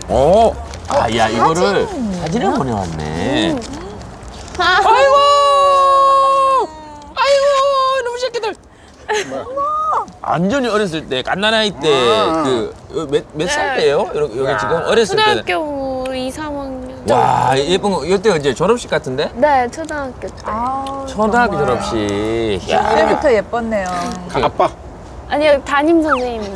야, 이거를 사진을 보내왔네. 아이고! 이놈 새끼들! 완전히 어렸을 때, 갓난아이 때, 몇 살 때예요? 여기 지금 어렸을 때. 초등학교 2, 3학년. 와, 예쁜 거. 이때 이제 졸업식 같은데? 네, 초등학교 때. 초등학교 졸업식. 야. 이때부터 예뻤네요. 아빠. 아니요, 담임 선생님.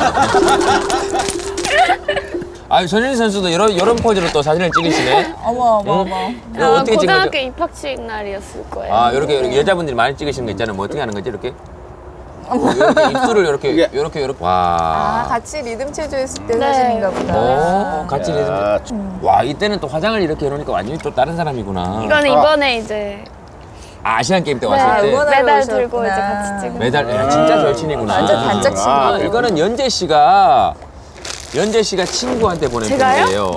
전현희 선수도 이런 포즈로 또 사진을 찍으시네. 어머. 이거 어떻게 찍은 고등학교 거죠? 입학식 날이었을 거예요. 이렇게 여자분들이 많이 찍으시는 거 있잖아요. 뭐 어떻게 하는 거지, 이렇게? 이렇게 입술을 이렇게. 와. 같이 리듬 체조했을 때 네. 사진인가 보다. 같이 리듬. 와, 이때는 또 화장을 이렇게 해놓으니까 완전히 또 다른 사람이구나. 이거는 이번에 이제 아시안 게임 때 네, 왔을 때. 응원하러 메달 오셨구나. 들고 이제 같이 찍은. 메달, 야, 진짜 절친이구나. 완전 단짝 친구. 이거는 연재 씨가 친구한테 보낸 제가요? 편지예요.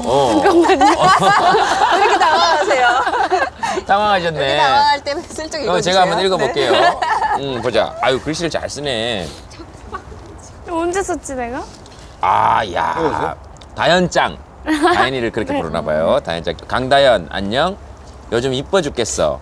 왜 이렇게 당황하세요? 당황하셨네. 이렇게 당황할 때는 슬쩍 읽어주세요. 제가 한번 읽어볼게요. 네. 보자. 글씨를 잘 쓰네. 언제 썼지 내가? 야. 다현짱. 다현이를 그렇게 부르나 봐요. 다현짱. 강다현, 안녕. 요즘 이뻐 죽겠어.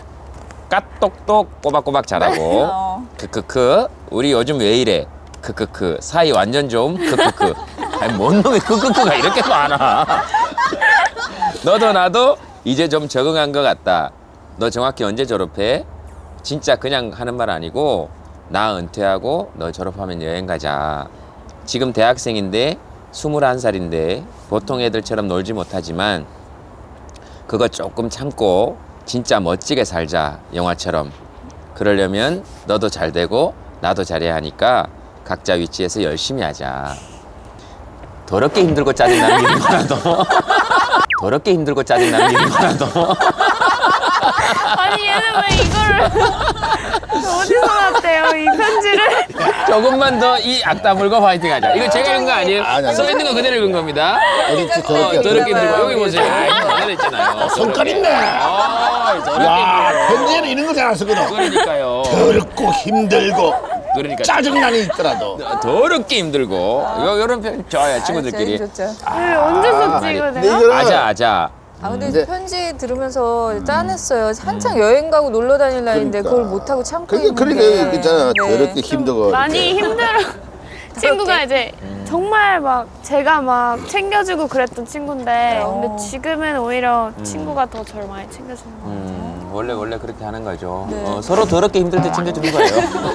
까똑똑 꼬박꼬박 잘하고. 크크크. 우리 요즘 왜 이래? 크크크. 사이 완전 좀. 크크크. 뭔 놈의 크크크가 이렇게 많아. 너도 나도 이제 좀 적응한 것 같다. 너 정확히 언제 졸업해? 진짜 그냥 하는 말 아니고 나 은퇴하고 너 졸업하면 여행 가자. 지금 대학생인데 21살인데 보통 애들처럼 놀지 못하지만 그거 조금 참고 진짜 멋지게 살자. 영화처럼. 그러려면 너도 잘 되고 나도 잘해야 하니까 각자 위치에서 열심히 하자. 더럽게 힘들고 짜증나는 일이구나 너. 더럽게 힘들고 짜증나는 일이구나 너. 아니 얘는 왜 이거를 어디서 났대요 이 편지를? 조금만 더 이 악담물과 화이팅 하자. 이거 제가 읽은 거 아니에요? 아니. 써 있는 거 그대로 읽은 겁니다. 어딨지 더럽게. 더럽게 힘들고 여기 보세요. 그대로 있잖아요. 손깔 있네. 더럽게 야, 힘들고. 편지에는 이런 거 잘 안 쓰거든. 그러니까요. 더럽고 힘들고 그러니까 짜증나는 있더라도. 더럽게 힘들고. 이런 편 좋아요 친구들끼리. 제일 좋죠. 왜 언제 썼지 이거 근데 내가? 이거는 아자. 근데 네. 편지 들으면서 짠했어요. 한창 여행 가고 놀러 다닐 나이인데 그걸 못하고 참고 그러니까 있는데. 있잖아. 네. 더럽게 힘들고. 많이 이렇게. 힘들어. 친구가 이제 정말 막 제가 막 챙겨주고 그랬던 친구인데 근데 지금은 오히려 친구가 더 저를 많이 챙겨주는 것 같아요. 원래 그렇게 하는 거죠. 네. 서로 더럽게 힘들 때 챙겨주는 거예요.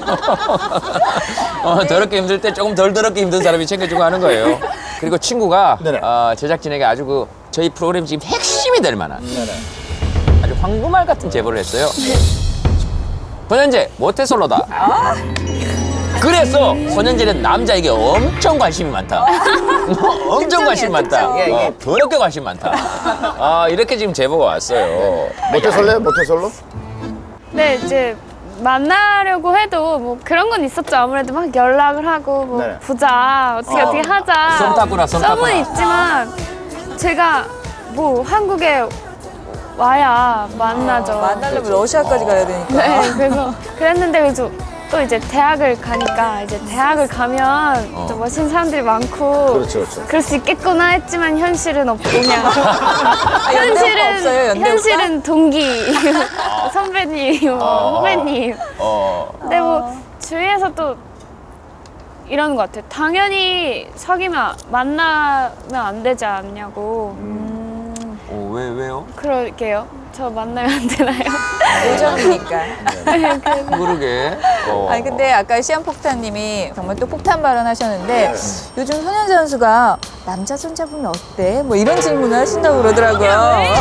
더럽게 힘들 때 조금 덜 더럽게 힘든 사람이 챙겨주고 하는 거예요. 그리고 친구가 네네. 제작진에게 아주 저희 프로그램 지금 핵심이 될 만한 아주 황금알 같은 제보를 했어요. 손현재 모태솔로다. 그래서 손현재는 남자에게 엄청 관심이 많다. 엄청 관심 많다. 더럽게 관심 많다. 이렇게 지금 제보가 왔어요. 모태솔로요? 모태솔로? 네 이제 만나려고 해도 뭐 그런 건 있었죠. 아무래도 막 연락을 하고 뭐 네. 보자 어떻게 하자. 썸 탔구나, 썸 탔구나. 썸은 있지만 제가 뭐 한국에 와야 만나죠. 만나려면 러시아까지 가야 되니까. 네, 그래서 그랬는데 그래서 또 이제 대학을 가니까 이제 대학을 가면 또 멋있는 사람들이 많고 그렇죠. 그럴 수 있겠구나 했지만 현실은 없고 그냥 연대 오빠 없어요, 연대 현실은 동기 선배님 후배님 근데 뭐 주위에서 또 이러는 것 같아요. 당연히 사귀면 만나면 안 되지 않냐고. 왜요? 그럴게요. 저 만나면 안 되나요? 요정이니까. 그러게. 아니 근데 아까 시한폭탄님이 정말 또 폭탄 발언하셨는데 요즘 손현재 선수가 남자 손잡으면 어때? 뭐 이런 질문을 하신다고 그러더라고요.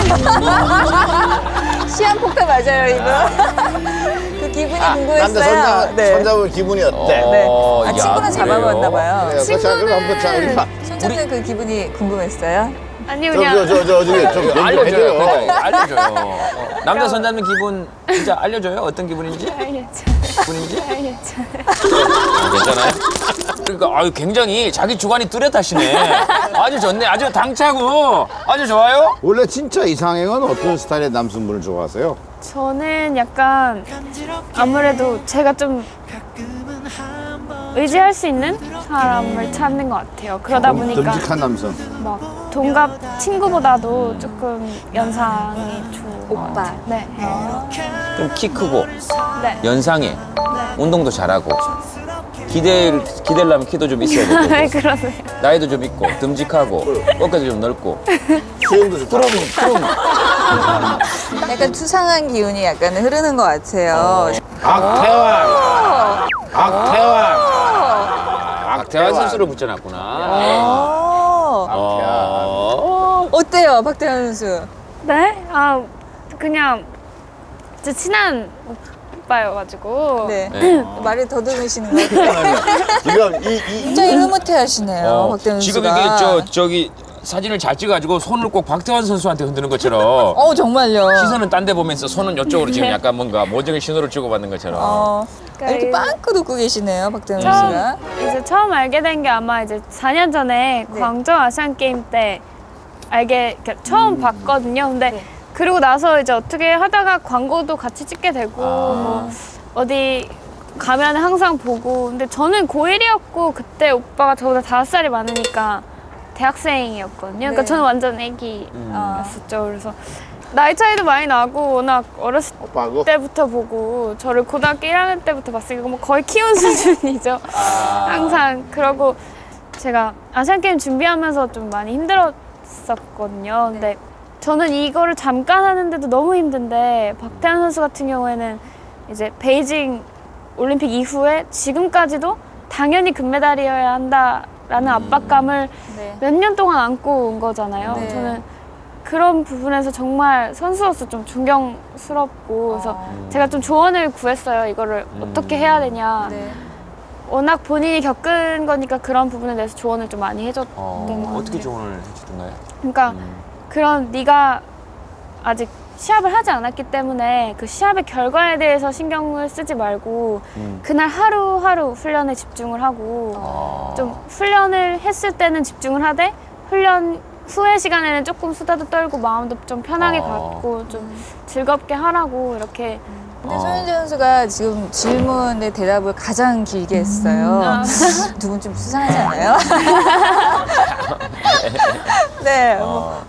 시한폭탄 맞아요 이거? 그 기분이 궁금했어요. 남자 손잡으면 기분이 어때? 네. 야, 친구는 잡아봤나 봐요. 그래요. 자, 그럼 한번 자, 우리 손잡는 그 기분이 궁금했어요? 아니 그냥 저기 좀 알려줘요. 해줘요. 그러니까 알려줘요. 남자 손잡는 기분 진짜 알려줘요. 어떤 기분인지? 알겠죠. 기분인지? 알겠죠. 괜찮아요? 그러니까 굉장히 자기 주관이 뚜렷하시네. 아주 좋네. 아주 당차고 아주 좋아요. 원래 진짜 이상형은 어떤 스타일의 남성분을 좋아하세요? 저는 약간 아무래도 제가 좀 의지할 수 있는 사람을 찾는 것 같아요. 그러다 보니까 듬직한 남성. 막 동갑 친구보다도 조금 연상이 좋은 것 오빠. 같아요. 네. 좀 키 크고 네. 연상해. 운동도 잘하고. 기대려면 키도 좀 있어야 되고. 네, 그러세요. 나이도 좀 있고 듬직하고 어깨도 좀 넓고. 수영도 좋다. 그럼 약간 수상한 기운이 약간 흐르는 것 같아요. 악태환. 악태환. 박태환 선수를 붙여놨구나. 어때요, 박태환 선수? 네? 아, 그냥 진짜 친한 오빠여가지고. 네. 네. 말을 더듬으시는 것 같아요. 지금 굉장히 흐뭇해 하시네요, 박태환 지금 선수가. 이게 저기 사진을 잘 찍어가지고 손을 꼭 박태환 선수한테 흔드는 것처럼 정말요. 시선은 딴 데 보면서 손은 이쪽으로 지금 약간 뭔가 모종의 신호를 주고받는 것처럼. 이렇게 빵긋 웃고 계시네요, 박태환 처음, 선수가. 이제 처음 알게 된 게 아마 이제 4년 전에 네. 광저우 아시안 게임 때 그러니까 처음 봤거든요. 근데 네. 그리고 나서 이제 어떻게 하다가 광고도 같이 찍게 되고 뭐 어디 가면 항상 보고. 근데 저는 고1이었고 그때 오빠가 저보다 5살이 많으니까 대학생이었거든요. 그러니까 네. 저는 완전 애기였었죠. 아. 그래서 나이 차이도 많이 나고 워낙 어렸을 오빠하고 때부터 보고 저를 고등학교 1학년 때부터 봤으니까 뭐 거의 키운 수준이죠. 항상. 그러고 제가 아시안게임 준비하면서 좀 많이 힘들었었거든요. 근데 저는 이거를 잠깐 하는데도 너무 힘든데 박태환 선수 같은 경우에는 이제 베이징 올림픽 이후에 지금까지도 당연히 금메달이어야 한다라는 압박감을 네. 몇 년 동안 안고 온 거잖아요. 네. 저는 그런 부분에서 정말 선수로서 좀 존경스럽고 그래서 제가 좀 조언을 구했어요. 이거를 어떻게 해야 되냐. 네. 워낙 본인이 겪은 거니까 그런 부분에 대해서 조언을 좀 많이 해줬던 것 같아요. 어떻게 조언을 해주던가요? 그러니까 그런 네가 아직 시합을 하지 않았기 때문에 그 시합의 결과에 대해서 신경을 쓰지 말고 그날 하루하루 훈련에 집중을 하고 좀 훈련을 했을 때는 집중을 하되 훈련 후의 시간에는 조금 수다도 떨고 마음도 좀 편하게 갖고 좀 즐겁게 하라고 이렇게. 근데 손현재 선수가 지금 질문의 대답을 가장 길게 했어요. 두 분 좀 수상하지 않아요? 네.